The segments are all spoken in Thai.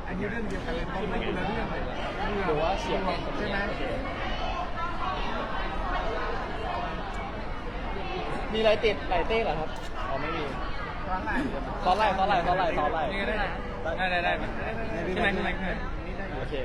อันนี้เรื่องเดียวกันเลยต้องเป็นคนละเรื่องเลยหรือว่าเสียงใช่ไหมมีอะไรติดไหลเต้เหรอครับอ๋อไม่มีตอนไหนตอนไล่นี่ก็ได้ได้ใช่ไหมโอเค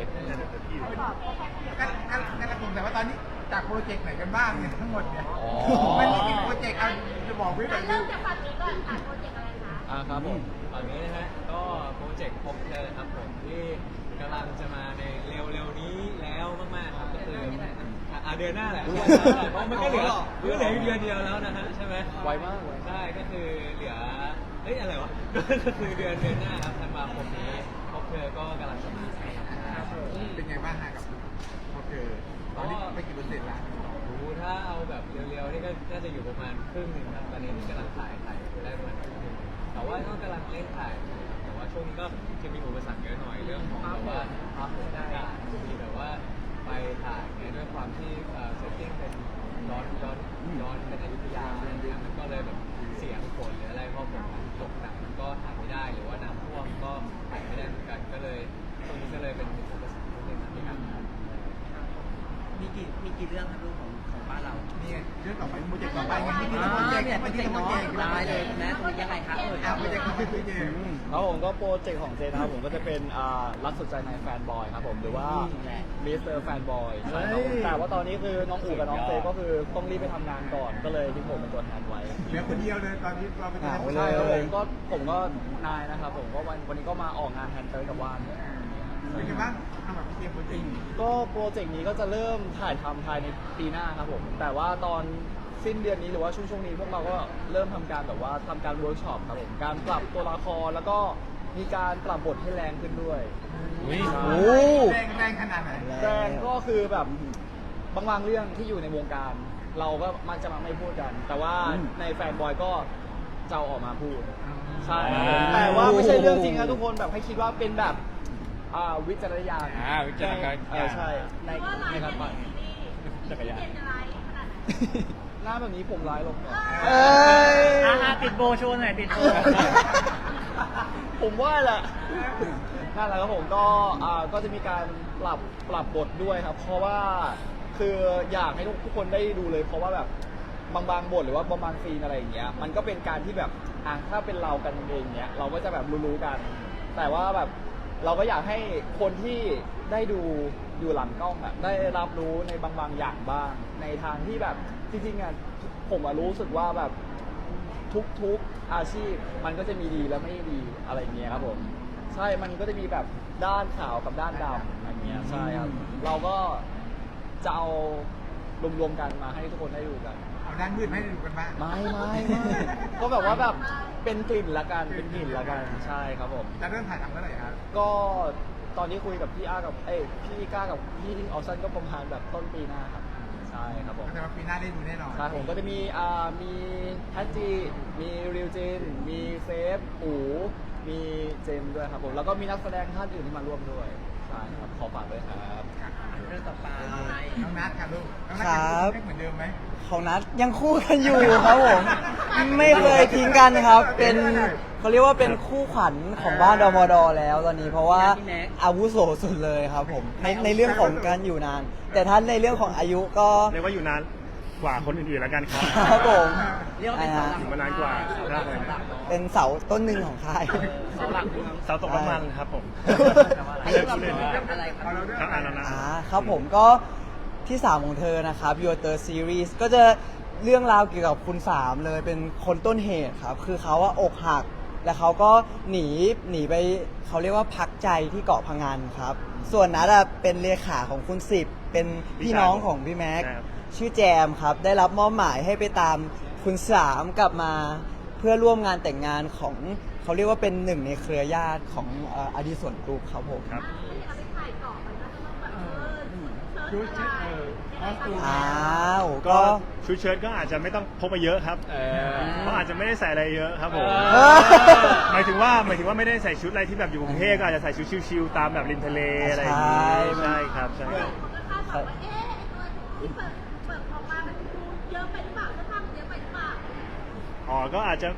งั้นผมแต่ว่าตอนนี้จากโปรเจกต์ไหนกันบ้างเนี่ยทั้งหมดเนี่ยอ๋อมันมีกี่โปรเจกต์เอาจะบอกไว้ก่อนเริ่มจากฝั่งนี้ก่อนค่ะโปรเจกต์อะไรคะครับผมฝั่งนี้นะฮะก็โปรเจกต์พบเธอครับผมที่กำลังจะมาในเร็วๆนี้แล้วมากๆครับก็คือเดือนหน้าแหละเพราะมันก็เหลืออีกเดือนเดียวแล้วนะฮะใช่ไหมไวมากเลยใช่ก็คือเหลืออะไรวะก็คือเดือนหน้าครับธันวาคมนี้พบเธอก็กำลังจะมาครับเป็นไงบ้างฮะกับโอเคตอนนี้ไปกี่เปอร์เซ็นต์ละรู้ถ้าเอาแบบเร็วๆนี่ก็น่าจะอยู่ประมาณครึ่งหนึ่งครับตอนนี้กำลังถ่ายไปได้ประมาณครึ่งหนึ่งแต่ว่าก็กำลังเล่นถ่ายแต่ว่าช่วงนี้ก็จะมีอุปสรรคเยอะหน่อยเรื่องของแบบว่าภาพไม่ได้มีแบบว่าไปถ่ายเนี่ยด้วยความที่เซตติ้งเป็นย้อนเป็นอยุธยาอะไรเงี้ยมันก็เลยแบบเสียงฝนหรืออะไรพอฝนตกหนักมันก็ถ่ายไม่ได้หรือว่าน้ำท่วมก็ถ่ายไม่ได้เหมือนกันก็เลยตรงนี้ก็เลยเป็นอุปสรรคนิดนึงในการถ่ายมีกี่เรื่องครับลูกของบ้านเรานี่ไงเรื่องต่อไปโปรเจกต์ต่อไปไงที่มีโปรเจกต์เนี่ยโปรเจกต์เนาะได้ได้เลยแม่ตรงนี้ยังไงคะเอ่ยโปรเจกต์โปรเจกต์ครับผมก็โปรเจกต์ของเจนะครับผมก็จะเป็นรักสุดใจในแฟนบอยครับผมหรือว่ามิสเตอร์แฟนบอยใช่ครับผมแต่ว่าตอนนี้คือน้องอู๋กับน้องเจก็คือต้องรีบไปทำงานก่อนก็เลยทิ้งผมเป็นตัวแทนไว้เหลือคนเดียวเลยตอนนี้เราเป็นใช่ครับผมก็นายนะครับผมก็วันนี้ก็มาออกงานแทนเตอร์กับว่านเป็นไงบ้างทำแบบเตรียมโปรเจกต์ก็โปรเจกต์นี้ก็จะเริ่มถ่ายทำภายในปีหน้าครับผมแต่ว่าตอนสิ้นเดือนนี้หรือว่าช่วงนี้พวกเราก็เริ่มทำการแบบว่าทำการเวิร์กช็อปครับผมการปรับตัวละครแล้วก็มีการปรับบทให้แรงขึ้นด้วยแรงขนาดไหนแรงก็คือแบบบางเรื่องที่อยู่ในวงการ เราก็มักจะมาไม่พูดกัน แต่ว่าในแฟนบอยก็จะเอาออกมาพูดใช่แต่ว่าไม่ใช่เรื่องจริงนะทุกคนแบบให้คิดว่าเป็นแบบวิจารณญาณวิจารณญาณใช่ในเพราะว่าในเราการเป็นปั่นซีรีส์จักรยานเป็นอะไรขนาดไหนหน้าแบบนี้ผมร้ายลงก่อนติดโบโชว์หน่อยติดโบผมว่าแหละนั่นแหละครับผมก็จะมีการปรับบทด้วยครับ เพราะว่าคืออยากให้ทุกคนได้ดูเลย เพราะว่าแบบบางบทหรือว่าบางซีนอะไรอย่างเงี้ยมันก็เป็นการที่แบบถ้าเป็นเรากันเองเนี้ยเราก็จะแบบรู้ๆกัน แต่ว่าแบบเราก็อยากให้คนที่ได้ดูอยู่หลังกล้องได้รับรู้ในบางอย่างบ้าง ในทางที่แบบจริงๆผมรู้สึกว่าแบบทุกอาชีพมันก็จะมีดีและไม่ดีอะไรเงี้ยครับผมใช่มันก็จะมีแบบด้านขาวกับด้านดำอะไรเงี้ยใช่ครับเราก็จะเอารวมๆกันมาให้ทุกคนได้ดูกันเอาด้านมืดให้ดูกันบ้างไม่ก็แบบว่าแบบเป็นกลิ่นละกันเป็นกลิ่นละกันใช่ครับผมจะเริ่มถ่ายทำเมื่อไหร่ครับก็ตอนนี้คุยกับพี่อากับพี่ก้ากับพี่ออฟซันก็ประมาณแบบต้นปีหน้าครับใช่ครับผมแต่ว่าปีหน้าได้ดูแน่นอนใช่ผมก็จะมีแฮตจีมีริวจินมีเซฟอูมีเจมส์ด้วยครับผมแล้วก็มีนักแสดงท่านอื่นที่มาร่วมด้วยใช่ครับขอฝากด้วยครับเรื่องต่อไปน้องนัทค่ะลูกน้องนัทครับยังเหมือนเดิมไหมของนัดยังคู่กันอยู่ครับผม ไม่เคยทิ้งกันครับ เป็นเขาเรียกว่าเป็นคู่ขวัญของบ้านดมดแล้วตอนนี้เพราะว่าอาวุโสสุดเลยครับผมในเรื่องของการอยู่นาน แต่ท่านในเรื่องของอายุก็เรียกว่าอยู่นานกว่าคนอื่นๆแล้วกันครับครับผมเรียกว่าเป็นเสาหลักอยู่มานานกว่าเสาหลักเป็นเสาต้นหนึ่งของค่ายเสาหลักเสาตกน้ำมันครับผมอันไม่นี้ได้เราพูดเป็เล่นนเรื่องอะไรครับครับอ่านแล้วนะครับผมก็ที่ 3 ของเธอนะครับ Your Third Series ก็จะเรื่องราวเกี่ยวกับคุณ3เลยเป็นคนต้นเหตุครับ คือเขาว่าอกหัก แล้วเขาก็หนีไปเขาเรียกว่าพักใจที่เกาะพังงานครับ ส่วนนัดเป็นเลขาของคุณ10เป็นพี่น้องของพี่แม็กครับชื่อแจมครับ ได้รับมอบหมายให้ไปตามคุณ3กลับมาเพื่อร่วมงานแต่งงานของเขาเรียกว่าเป็นหนึ่งในเครือญาติของอดีส่วนกรุ๊ปครับผมครับไม่ได้เอาไปถ่ายต่อมันก็ต้องแบบเชิดูญชิดคอสตูมอ้าวก็ก็ชุดเชิ้ตก็อาจจะไม่ต้องพกไปเยอะครับเพราะอาจจะไม่ได้ใส่อะไรเยอะครับผมเออหมายถึงว่าไม่ได้ใส่ชุดอะไรที่แบบอยู่กรุงเทพก็อาจจะใส่ชุดชิลๆตามแบบริมทะเลอะไรอย่างงี้ใช่ครับใช่ครับคนก็คาดหวังว่าไอ้ตัวที่เปิดออกมามันดูเยอะไปหรือเปล่าถ้าทำเยอะไปหรือเปล่าอ๋อก็อาจจะ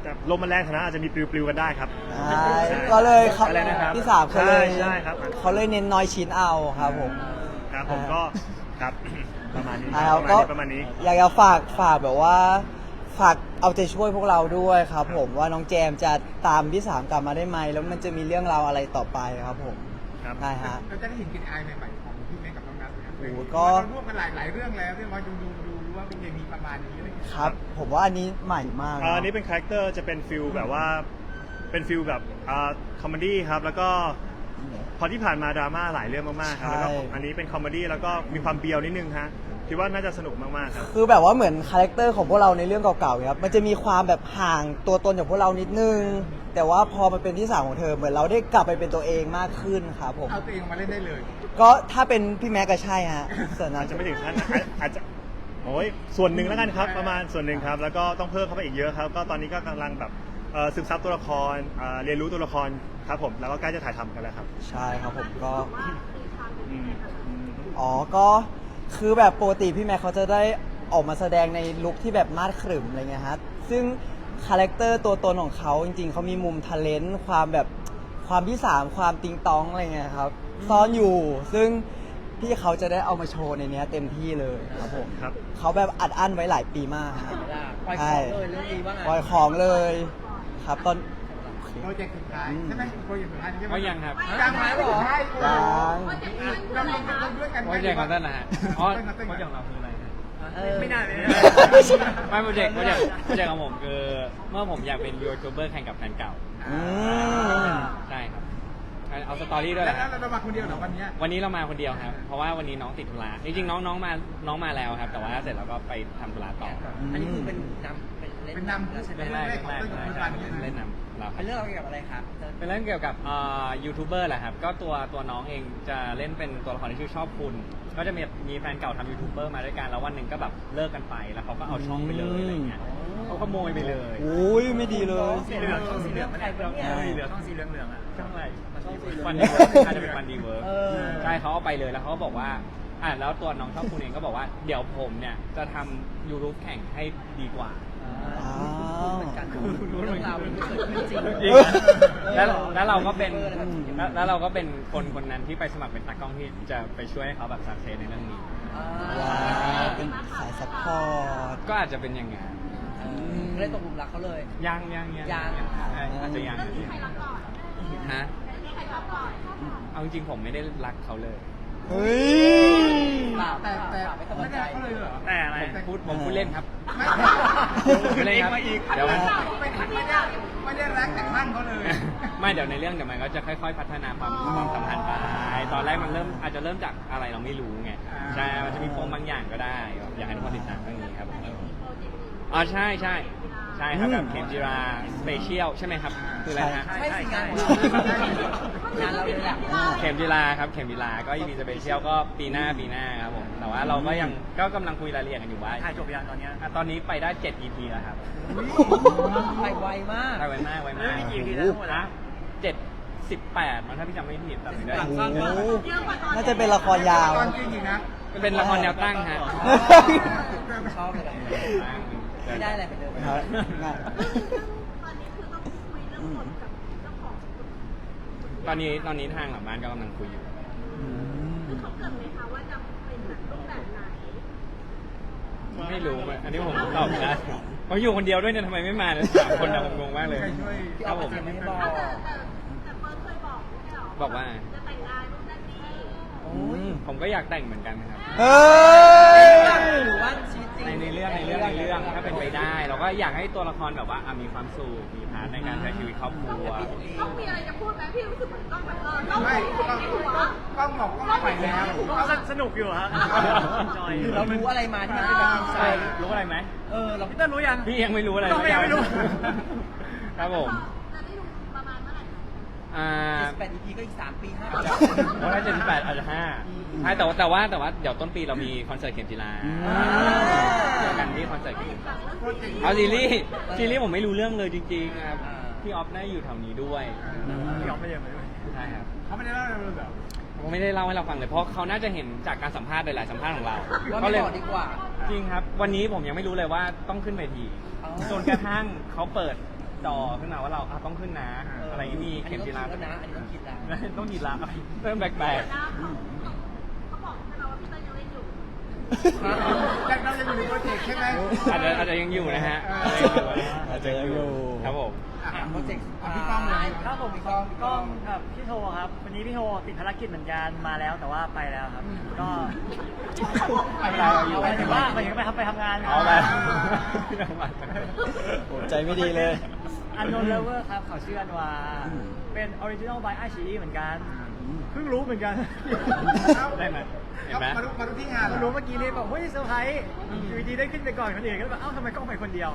จะลมมันแรงฐานะอาจจะมีปลิวๆกันได้ครับใช่ก็เลยเขาอะไรนะครับที่สามเขาเลยใช่ครับเขาเลยเน้นน้อยชิ้นเอาครับผมครับผมก็ครับ ประมาณนี้อ่าประมาณนี้อยากจะฝากแบบว่าฝากเอาใจช่วยพวกเราด้วยครับผมว่าน้องแจมจะตามพี่สามกลับมาได้ไหมแล้วมันจะมีเรื่องราวอะไรต่อไปครับผมครับได้ฮะเราจะได้เห็นกลิ่นอายใหม่ๆของพี่เมฆกับน้องนัทนะครับโอ้โหก็เราร่วมกันหลายเรื่องแล้วเรื่องว่าดูว่าเป็นยังมีประมาณนี้อะไรอย่างเงี้ยครับ ผมว่าอันนี้ใหม่มากะอันนี้เป็นคาแรคเตอร์จะเป็นฟิลแบบว่าเป็นฟิลแบบคอมเมดี้ครับแล้วก็พอที่ผ่านมาดราม่าหลายเรื่องมากๆครับแล้วก็อันนี้เป็นคอมเมดี้แล้วก็มีความเบียวนิดนึงฮะคิดว่าน่าจะสนุกมากๆครับคือแบบว่าเหมือนคาแรคเตอร์ของพวกเราในเรื่องเก่าๆครับมันจะมีความแบบห่างตัวตนจากพวกเรานิดนึง แต่ว่าพอมันเป็นที่สามของเธอเหมือนเราได้กลับไปเป็นตัวเองมากขึ้นครับผมเอาตัวเองออกมาเล่นได้เลยก็ถ้าเป็นพี่แม็กก็ใช่ฮะส่วนนั้อาน จจะไม่ถึงขั้นอาจจะโอ้ยส่วนหนึ่งแล้วกันครับประมาณส่วนหนึ่งครับแล้วก็ต้องเพิ่มเข้าไปอีกเยอะครับก็ตอนนี้ก็กำลังแบบซึมซับตัวละครเรียนรู้ตัวละครครับผมแล้วก็ใกล้จะถ่ายทำกันแล้วครับใช่ครับผมก็อืมอ๋อ ก็คือแบบปกติพี่แม็กเขาจะได้ออกมาแสดงในลุคที่แบบมาดขรึมอะไรเงี้ยฮะ ซึ่งคาแรคเตอร์ตัวตนของเขาจริงๆ เขามีมุมทะเลนต์ความแบบความที่สามความติงตองอะไรเงี้ยครับ ซ่อนอยู่ ซึ่งพี่เขาจะได้เอามาโชว์ในเนี้ยเต็มที่เลยครับผมครับเขาแบบอัดอั้นไว้หลายปีมากครับปล่อยของเลยเรื่องนี้ว่าไงปล่อยของเลยครับตอนโปรเจกต์สุดท้ายใช่ไหมโปรเจกต์สุดท้ายใช่ไหมก็ยังครับยังไหมเหรอใช่ยังเราด้วยกันโปรเจกต์ของท่านนะฮะอ๋อโปรโปรเจเจกกต์ต์ของเราคืออะไรฮะไม่น่าเลยไม่โปรเจกต์ของผมคือเมื่อผมอยากเป็นยูทูบเบอร์แข่งกับแฟนเก่าอืมใช่ครับเอาสตอรี่ด้วยแล้นะวเรามาคนเดียวเหรอวันเนี้ยวันนี้เรามาคนเดียวครับ เพราะว่าวันนี้น้องติดธุระจริงๆน้องมาแล้วครับ แต่ว่าเสร็จแล้วก็ไปทำธุระต่ออันนี้คือเป็นนำเป็นเล่นเป็นนำแล้วใช่ไหมเป็นแรกเล่นนำเราคเป็รับนเรื่องเกี่ยวกับอะไรครับเป็นเรื่องเกี่ยวกับยูทูบเบอร์แหละครับ ก็ตัวน้องเองจะเล่นเป็นตัวละครที่ชื่อชอบคุณ ก็จะมีแฟนเก่าทำยูทูบเบอร์มาด้วยกัน แล้ววันหนึ่งก็แบบเลิกกันไป แล้วเขาก็เอาช่องไปเลยอะไรเงี้ยเขาขโมยไปเลยโอ้ยไม่ดีเลยสีเหลืองช่องสีเหลืองมันอะไรเนี่ยสีเหลืองช่องสีเหลืองเหลืองอ่ะช่องอะไรช่องสีเหลืองฟันดีเวิร์กอาจจะเป็นฟันดีเวิร์กเออใช่เขาเอาไปเลยแล้วเขาก็บอกว่าแล้วตัวน้องชอบคุณเองก็บอกว่าเดี๋ยวผมเนี่ยจะทำยูทูบแข่งให้ดีกว่าเหมือนกันเรื่องราวมันเกิดขึ้นจริงจริงแล้วเราก็เป็นแล้วเราก็เป็นคนนั้นที่ไปสมัครเป็นตากล้องที่จะไปช่วยให้เขาแบบสักเซสในเรื่องนี้ว้าวเป็นสายซัพพอร์ตก็อาจจะเป็นอย่างงั้นก็เลยตกหลุมรักเขาเลยยัง อาจจะยังเรื่องนี้ใครรับก่อนฮะเรื่องนี้ใครรับก่อนเอาจริงๆผมไม่ได้รักเขาเลยเฮ้ยแต่ไม่กำลัไม่งได้ใจเขาเลยเหรอแต่อะไรผมพูดเล่นครับไม่พูดเล่นครับเดี๋ยวไม่ได้รักแต่ข้างเขาเลยไม่เดี๋ยวในเรื่องเดี๋ยวมันก็จะค่อยๆพัฒนาความสัมพันธ์ไปตอนแรกมันอาจจะเริ่มจากอะไรเราไม่รู้ไงใช่มันจะมีโฟมบางอย่างก็ได้อยากให้ทุกคนติดตามเรื่องนี้ครับผมอ๋อใช่ครับแบบเข็มจิราสเปเชียลใช่ไหมครับคืออะไรฮะใช่สิงานของเรางานเราเลยแหละเข็มจิราครับเข็มจิราก็มีสเปเชียลก็ปีหน้าครับผมแต่ว่าเราก็ยังก็กำลังคุยรายละเอียดกันอยู่ว่าถ่ายจบยังตอนเนี้ยตอนนี้ไปได้7 EP แล้วครับไปไวมากไวมากมีกี่ EP แล้วทั้งหมดอะ 7-18มันถ้าพี่จำไม่ผิดแต่ไม่ได้โอ้โหเยอะกว่าตอนน่าจะเป็นละครยาวตอนจริงอีกนะเป็นละครแนวตั้งฮะชอบเลยไม่ได้อะไรไปเลยครับง่ายตอนนี้คือต้องคุยเรื่องบทกับเจ้าของตอนนี้ทางหลังบ้านก็กำลังคุยอยู่คือเขาเกิดไหมคะว่าจะเป็นแบบรูปแบบไหนไม่รู้อะอันนี้ผมตอบไม่ได้เขาอยู่คนเดียวด้วยเนี่ยทำไมไม่มาเนี่ย3 คนนะผมงงมากเลยใครช่วยพี่คอรัอบ กผมเสียงไม่บอกแต่เฟิร์สเคยบอกไม่ใช่หรอบอกว่าจะแต่งงานนู่นนั่นนี่โอ้ยผมก็อยากแต่งเหมือนกันครับเฮ้ยหรือว่าชีวิตจริงในเรื่องถ้าเป็นไปได้ เราก็อยากให้ตัวละครแบบว่ามีความสุขมีพาร์ทในการใช้ชีวิตครอบครัวต้องมีอะไรจะพูดไหมพี่รู้สึกเหมือนต้องแบบต้องไม่มีในหัวกล้องบอกกล้องไปแล้วสนุกอยู่ฮะหรือเรารู้อะไรมาที่มันเป็นแบบอินไซใช่ด์รู้อะไรไหมเราพี่เต้นรู้ยังพี่ยังไม่รู้อะไรต้องไม่ยังไม่รู้ครับผมจะได้ดูประมาณเมื่อไหร่คะ 78 EP ก็อีก3 ปี5 ปีเพราะถ้า78อาจจะ5ใช่แต่ว่าเดี๋ยวต้นปีเรามีคอนเสิร์ตเข็มจีราเจอกันที่คอนเสิร์ตเข็มจีราเอาซีรีส์ผมไม่รู้เรื่องเลยจริงๆครับพี่ออฟน่าอยู่แถวนี้ด้วยยอมไม่ยังไม่ด้วยใช่ครับเขาไม่ได้เล่าอะไรเลยเหรอผมไม่ได้เล่าให้เราฟังเลยเพราะเขาน่าจะเห็นจากการสัมภาษณ์หลายๆสัมภาษณ์ของเราว่าก็ไม่เลยบอกดีกว่าจริงครับ วันนี้ผมยังไม่รู้เลยว่าต้องขึ้นเวทีอ๋อจนกระทั่งเขาเปิดจอขึ้นมาว่าเราต้องขึ้นนะอะไรอย่างนี้มีอันเข็นี้มต้องจีคิดราแล้วนะ อันนี้ต้องคิดแล้วต้องหยิบละเริ่มแปลกเดี๋ยวนะเขาบอกใช่ไหมว่าพี่เต้ยยังเล่นอยู่ยังเรายังอยู่ในโปรเจกต์ใช่ไหมๆอาจจะยังอยู่นะฮะอาจจะยังอยู่ครับผมโปรเจกต์พี่ป้อมเลยครับผมกล้องกับพี่โทครับ วันนี้พี่โทติดภารกิจเหมือนกันมาแล้วแต่ว่าไปแล้วครับ ก็ไปแล้วหมายถึงว่าหมายถึงไปทำงานเอาไปโอ้ใจไม่ดีเลยอันโนเลเวอร์ครับเขาชื่ออันวาเป็นออริจินอลบายไอชีเหมือนกันเพิ่งรู้เหมือนกันได้ไหมเห็นไหมมาดูที่งานเพิ่งรู้เมื่อกี้นี้แบบเฮ้ยเซอร์ไพรส์อยู่ดีๆได้ขึ้นไปก่อนคนอื่นก็แบบเอ้าทำไมกล้องไปคนเดียว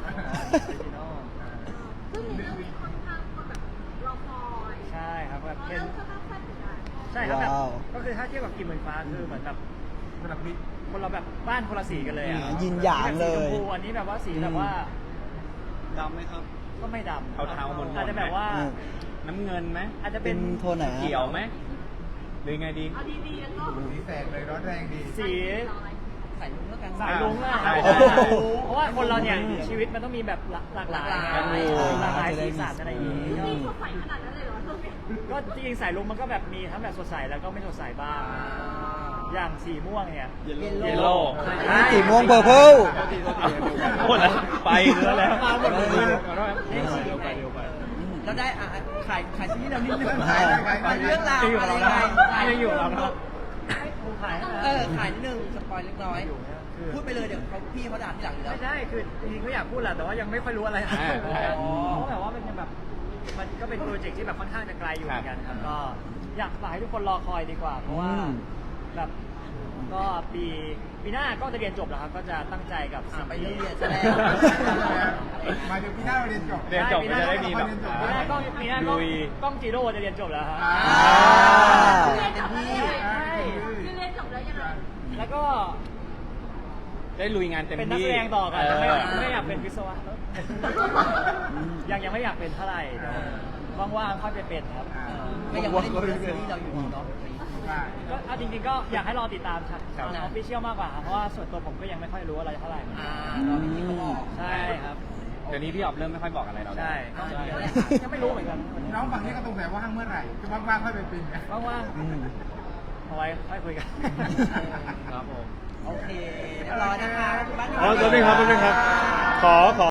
ซึ่งในเรื่องนี้ค่อนข้างคนแบบรอคอยใช่ครับแบบเพราะเป็เรื่อน งค่อนข้างสั้นเหมือนกันใช่ครับแบบว้าวก็คือถ้าเทียบกับกิมเหมือนฟ้าคือเหมือนแบบระดับนี้คนเราแบบบ้านคนละสีกันเลยอ่ะยินหยางเลยสีชมพูอันนี้แบบว่าสีแบบว่าดำไหมครับก็ไม่ดำเทาๆมนๆอาจจะแบบว่าอืมน้ำเงินไหมอาจจะเป็เป็น นโทนไหนอะเขียวไหมหรือไงดีเอาดีๆแล้วก็สีแสงเลยร้อนแรงดีสีใส่ลุงแล้วกันสายลุงอะใช่ใช่เพราะว่าคนเราเนี่ยชีวิตมันต้องมีแบบหลากหลายหลากหลายหลากหลายสีสันอะไรอย่างงี้มีสดใสขนาดนั้นเลยเหรอช่วงนี้ก็จริงๆสายลุงมันก็แบบมีทั้งแบบสดใสแล้วก็ไม่สดใสบ้าง อย่างสีม่วงเนี่ยเยลโล่สีม่วง purple โอ้แล้วไปแล้วแล้วมาหมดเลยเร็วไปแล้วได้ขายซีรีส์เรานิดนึงขายเรื่องราวอะไรยังไงยังอยู่เรานะครับขายขายนิดนึงสปอยเล็กน้อย พูดไปเลยเดี๋ยวพี่เขาด่าทีหลังอยู่แล้วไม่ใช่คือจริงๆก็อยากพูดแหละแต่ว่ายังไม่ค่อยรู้อะไรอ่าเพราะแบบว่ามันยังแบบมันก็เป็นโปรเจกต์ที่แบบค่อนข้างจะไกลอยู่เหมือนกันครับก็อยากฝากให้ทุกคนรอคอยดีกว่า เพราะว่าอืมแบบก็ปีหน้าก็จะเรียนจบแล้วครับก็จะตั้งใจกับสิ่งไปที่เรียนซะแล้วมาถึงพี่หน้าเราเรียนจบเรียนจบก็จะได้มีแบบปีหน้าก็ลุยกล้องจีโร่จะเรียนจบแล้วครับเรียนจบแล้วยังไงคือเรียนจบแล้วยังไงแล้วก็ได้ลุยงานเต็มที่เป็นนักแสดงต่อกันเไม่อยากเป็นวิศวะยังไม่อยากเป็นเท่าไหร่เดี๋ยวว่างๆค่อยไปเป็นครับก็ยังไม่ได้ดูซีรีส์เราอยู่เนาะก็เอาจริงๆก็อยากให้รอติดตามทางออฟฟิเชียลมากกว่าครับเพราะว่าส่วนตัวผมก็ยังไม่ค่อยรู้อะไรเท่าไหร่รอพี่เขาบอกใช่ครับเดี๋ยวนี้พี่ออบเริ่มไม่ค่อยบอกอะไรเราแล้วใช่ยังไม่รู้เหมือนกันน้องฝั่งนี้ก็ตรงแต่ว่างเมื่อไหร่จะว่างๆค่อยไปปีนกันว่างๆเอาไว้ค่อยคุยกันครับผมโอเคเดี๋ยวรอนะคะอ๋อตัวนึงครับขอ